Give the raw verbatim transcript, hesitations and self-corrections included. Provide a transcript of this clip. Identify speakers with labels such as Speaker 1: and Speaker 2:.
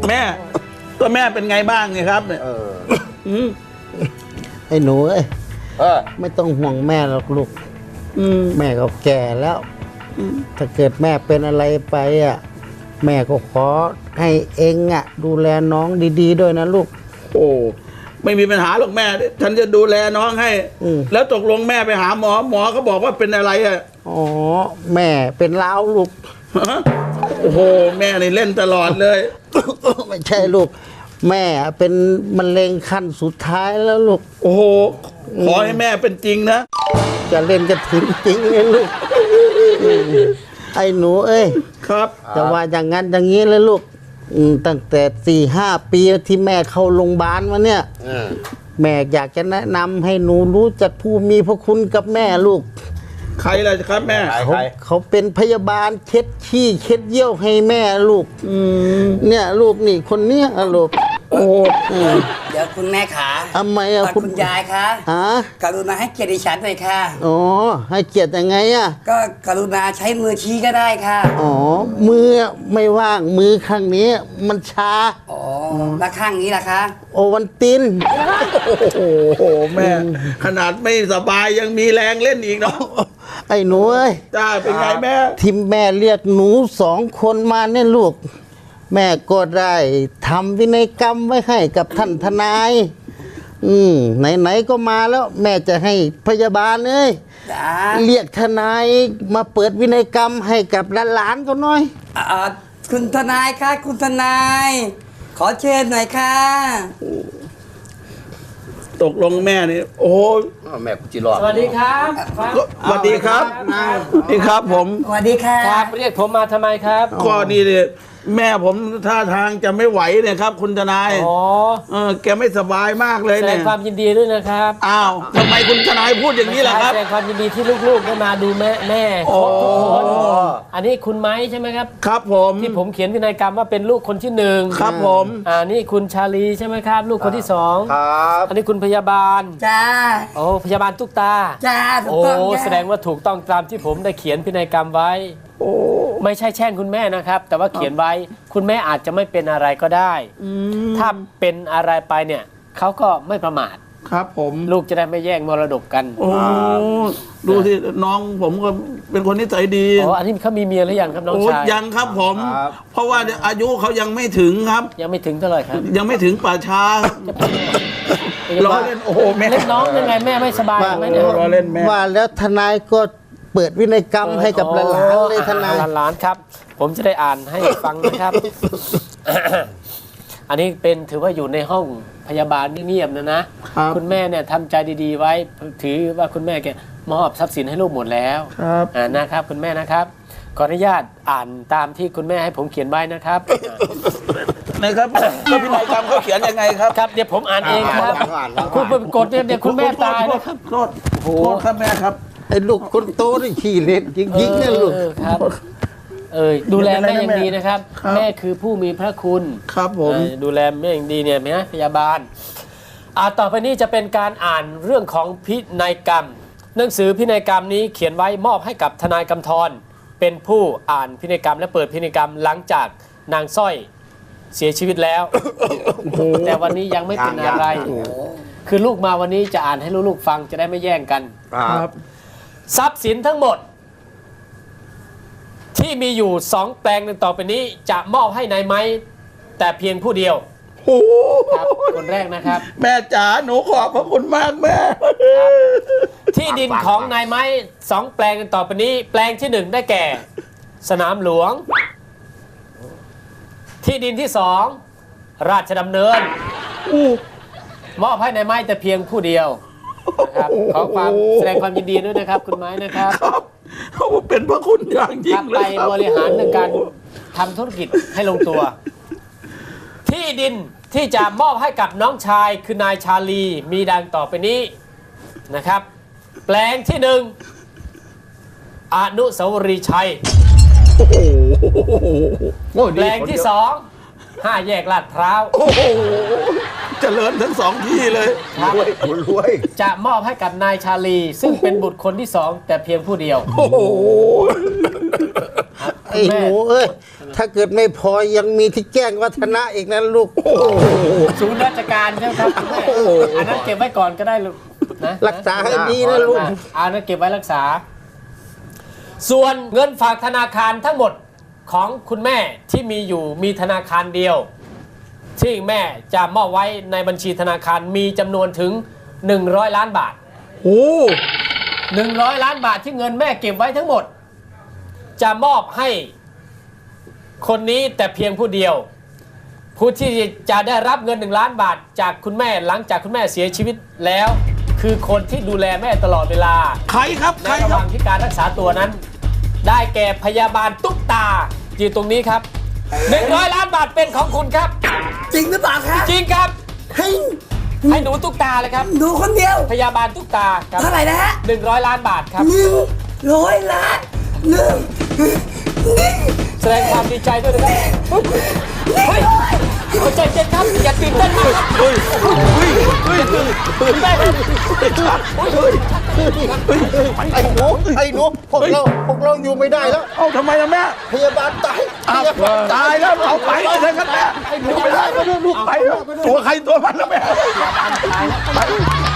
Speaker 1: แม่ก็แม่เป็นไงบ้างไงครับเนี่ย
Speaker 2: ไอ้หนูเอ้ยไม่ต้องห่วงแม่หรอกลูกแม่ก็แก่แล้วถ้าเกิดแม่เป็นอะไรไปอ่ะแม่ก็ขอให้เองอ่ะดูแลน้องดีๆด้วยนะลูก
Speaker 1: โอ้ไม่มีปัญหาหรอกแม่ฉันจะดูแลน้องให้แล้วตกลงแม่ไปหาหมอหมอเขาบอกว่าเป็นอะไรอ่ะ
Speaker 2: อ๋อแม่เป็นล้าวลูก
Speaker 1: โอ้โหแม่นี่เล่นตลอดเลย
Speaker 2: ไม่ใช่ลูกแม่เป็นมะเร็งขั้นสุดท้ายแล้วลูก
Speaker 1: โอ้โหขอให้แม่เป็นจริงนะ
Speaker 2: จะเล่นจะถึงจริงเลยลูกไอ้หนูเอ้ย
Speaker 1: ครับ
Speaker 2: จะว่าอย่างนั้นอย่างนี้เลยลูกตั้งแต่สี่ห้าปีที่แม่เข้าโรงพยาบาลมาเนี่ยแม่อยากจะแนะนำให้หนูรู้จักผู้มีพระคุณกับแม่ลูก
Speaker 1: ใครล่ะครับแม่
Speaker 2: เขาเขาเป็นพยาบาลเช็ดขี้เช็ดเยี่ยวให้แม่ลูกเนี่ยลูกนี่คนเนี้ยลูก
Speaker 1: โอ้
Speaker 3: เดี๋ยวคุณแม่ขา
Speaker 2: ทำไมอะ
Speaker 3: คุณยายคะ
Speaker 2: ฮะ
Speaker 3: กรุณาให้เกียรติฉันหน่อยค่ะ
Speaker 2: อ๋อให้เกียรติยังไงอะ
Speaker 3: ก็กรุณาใช้มือชี้ก็ได้ค่ะ
Speaker 2: อ๋อมือไม่ว่างมือข้างนี้มันชา
Speaker 3: อ๋อแล้วข้างนี้ล่ะคะ
Speaker 2: โอวันติน
Speaker 1: โอ้โหแม่ขนาดไม่สบายยังมีแรงเล่นอีกเนาะ
Speaker 2: ไอ้หนูเอ้ย
Speaker 1: จ้าเป็นไงแม่
Speaker 2: ที่แม่เรียกหนูสองคนมาเนี่ยลูกแม่ก็ได้ทำวินัยกรรมไว้ให้กับท่านทนายอืมไหนๆก็มาแล้วแม่จะให้พยาบาลเอ้ยเรียกทนายมาเปิดวินัยกรรมให้กับหลานๆเขาหน่อย
Speaker 3: อ่าคุณทนายคะคุณทนายขอเชิญหน่อยค่ะ
Speaker 1: ตกลงแม่นี่โอ้
Speaker 4: แม่กุจิรอด
Speaker 5: สวัสดีครับ
Speaker 1: สวัสดีครับสวัสดีครับผม
Speaker 3: สวัสดีค่ะ
Speaker 5: ครับเรียกผมมาทำไมครับ
Speaker 1: ก็นี่เลยแม่ผมท่าทางจะไม่ไหวเนี่ยครับคุณทนาย
Speaker 5: อ๋อ
Speaker 1: เออแกไม่สบายมากเลยเนี่ย
Speaker 5: แสดงความยินดีด้วยนะครับ
Speaker 1: อ้าวทำไมคุณทนายพูดอย่างนี้ล่ะครับ
Speaker 5: แสดงความยินดีที่ลูกๆได้มาดูแม่แม่ครบทุกคนอันนี้คุณไม้ใช่ไหมครับ
Speaker 1: ครับผม
Speaker 5: ที่ผมเขียนพินัยกรรมว่าเป็นลูกคนที่หนึ่ง
Speaker 1: ครับผม
Speaker 5: อ่านี่คุณชาลีใช่ไหมครับลูกคนที่สอง
Speaker 4: ครับ
Speaker 5: อันนี้คุณพยาบาล
Speaker 3: จ้า
Speaker 5: โอ้พยาบาลตุ๊กตา
Speaker 3: จ้าถู
Speaker 5: กต้องโอ้แสดงว่าถูกต้องตามที่ผมได้เขียนพินัยกรรมไว้
Speaker 1: โอ้
Speaker 5: ไม่ใช่แช่งคุณแม่นะครับแต่ว่าเขียนไว้คุณแม่อาจจะไม่เป็นอะไรก็ได้ถ้าเป็นอะไรไปเนี่ยเขาก็ไม่ประมาท
Speaker 1: ครับผม
Speaker 5: ลูกจะได้ไม่แย่งมรดกกัน
Speaker 1: โอ้ดูที่น้องผมก็เป็นคนนิสัยดี
Speaker 5: อ๋ออันนี้เขามีเมียหรือยังครับน้องชาย
Speaker 1: ยังครับผมเพราะว่าอายุเขายังไม่ถึงครับ
Speaker 5: ยังไม่ถึงเท่าไหร่ครับ
Speaker 1: ยังไม่ถึงป่าช้าล้อเล่นโอ้โหแม่
Speaker 5: เล่นน้องยังไงแม่ไม่สบายไหมเนี่ย
Speaker 1: ล้อเล่นแม่
Speaker 2: ว่าแล้วทนายก็เปิดวินัยกรรมให้กับหลานๆเลยทนาย
Speaker 5: หลานๆครับผมจะได้อ่านให้ฟังนะครับอันนี้เป็นถือว่าอยู่ในห้องพยาบาลเงียบๆนะนะคุณแม่เนี่ยทำใจดีๆไว้ถือว่าคุณแม่แกมอบทรัพย์สินให้ลูกหมดแล้วนะครับคุณแม่นะครับขออนุญาตอ่านตามที่คุณแม่ให้ผมเขียนไว้นะครับ
Speaker 1: นะครับแล้วพินัยกรรมเขาเขียนยังไงครับ
Speaker 5: ครับเดี๋ยวผมอ่านเองครับคุณไปกดเนี่ยเดี๋ยวคุณแม่ตายนะครับ
Speaker 1: โทษโทษครับแม่ครับ
Speaker 2: ไอ้ลูกคนโตนี่ขี้เล่นจริงๆเนี่ยลูก
Speaker 5: ครับเออดูแลแม่อย่างดีนะครับแม่คือผู้มีพระคุณ
Speaker 1: ครับผม
Speaker 5: ดูแลแม่อย่างดีเนี่ยนะพยาบาลอ่าต่อไปนี้จะเป็นการอ่านเรื่องของพินัยกรรมหนังสือพินัยกรรมนี้เขียนไว้มอบให้กับทนายกำธรเป็นผู้อ่านพินัยกรรมและเปิดพินัยกรรมหลังจากนางสร้อยเสียชีวิตแล้วแต่วันนี้ยังไม่เป็นอะไรคือลูกมาวันนี้จะอ่านให้ลูกๆฟังจะได้ไม่แย่งกัน
Speaker 1: ครับ
Speaker 5: ทรัพย์สินทั้งหมดที่มีอยู่สองแปลงต่อไปนี้จะมอบให้นายไม้แต่เพียงผู้เดียวครับคนแรกนะครับ
Speaker 1: แม่จ๋าหนูขอบพระคุณมากแม่
Speaker 5: ที่ดินของนายไม้สองแปลงต่อไปนี้แปลงที่หนึ่งได้แก่สนามหลวงที่ดินที่สองราชดำเนินมอบให้นายไม้แต่เพียงผู้เดียวนะครับขอความแสดงความยินดีด้วยนะครับคุณไม้นะครับ
Speaker 1: เขาเป็นพระคุณอย่างยิ่งเลย
Speaker 5: ไปบริหารในการทำธุรกิจให้ลงตัวที่ดินที่จะมอบให้กับน้องชายคือนายชาลีมีดังต่อไปนี้นะครับแปลงที่หนึ่งอนุสาวรีย์ชัยแปลงที่สองห้าแยกลาดพร้าว
Speaker 1: โอ้โหเจริญทั้งสองที่เลย
Speaker 4: รวยรวย
Speaker 5: จะมอบให้กับนายชาลีซึ่งเป็นบุตรคนที่สองแต่เพียงผู้เดียว
Speaker 1: โอ้โห
Speaker 2: อ้หนูเอ้ยถ้าเกิดไม่พอยังมีที่แจ้งวัฒนะอีกนะลูก
Speaker 5: ศูนย์ราชการใช่ไหมครับคุณแม่อันนั้นเก็บไว้ก่อนก็ได้ลูกนะ
Speaker 2: รักษาให้ดีนะลูก
Speaker 5: อ่ะอันนั้นเก็บไว้รักษา ส่วนเงินฝากธนาคารทั้งหมดของคุณแม่ที่มีอยู่มีธนาคารเดียว ที่แม่จะมอบไว้ในบัญชีธนาคารมีจำนวนถึงหนึ่งร้อยล้านบาท
Speaker 1: โอ้
Speaker 5: หนึ่งร้อยล้านบาทที่เงินแม่เก็บไว้ทั้งหมด จะมอบให้คนนี้แต่เพียงผู้เดียว ผู้ที่จะได้รับเงินหนึ่งล้านบาทจากคุณแม่หลังจากคุณแม่เสียชีวิตแล้ว คือคนที่ดูแลแม่ตลอดเวลา
Speaker 1: ใครครับ
Speaker 5: ใน
Speaker 1: ใคร
Speaker 5: ระห
Speaker 1: ครั
Speaker 5: ว่า
Speaker 1: บ
Speaker 5: งที่การรักษาตัวนั้น ได้แก่พยาบาลตุ๊กตาอยู่ตรงนี้ครับหนึ่งร้อยล้านบาทเป็นของคุณครับ
Speaker 3: จริงหรือเปล่าคะ
Speaker 5: จริงครับ
Speaker 3: ให้
Speaker 5: ให้หนูตุ๊กตาเลยครับ
Speaker 3: หนูคนเดียว
Speaker 5: พยาบาลตุ๊กตาครับ
Speaker 3: เท่าไหร่นะฮะ
Speaker 5: หนึ่งร้อยล้านบาทครับ
Speaker 3: หนึ่งร้อยล้านหนึ่งหนึ่ง
Speaker 5: แสดงความดีใจด้วยนะครับเฮ้ยเอาใจเย็นครับอย่าตื่นเต้นมากครับ
Speaker 1: เฮ้ยเฮ้ยเฮ้ยเฮ้ย
Speaker 5: ตื่นเต้นครับ
Speaker 2: ไอ้หนูไอ้หนูพวกเราพวกเราอยู่ไม่ได้แล้ว
Speaker 1: เอ้าทำไมล่ะแม่
Speaker 2: พยาบาลตาย
Speaker 1: อ้าวตายแล้วเอาไปเลยครับแม่ไม่ได้ไม่ได้ลูกไปแล้วตัวใครตัวมันแล้วแม่
Speaker 5: ตายแล้ว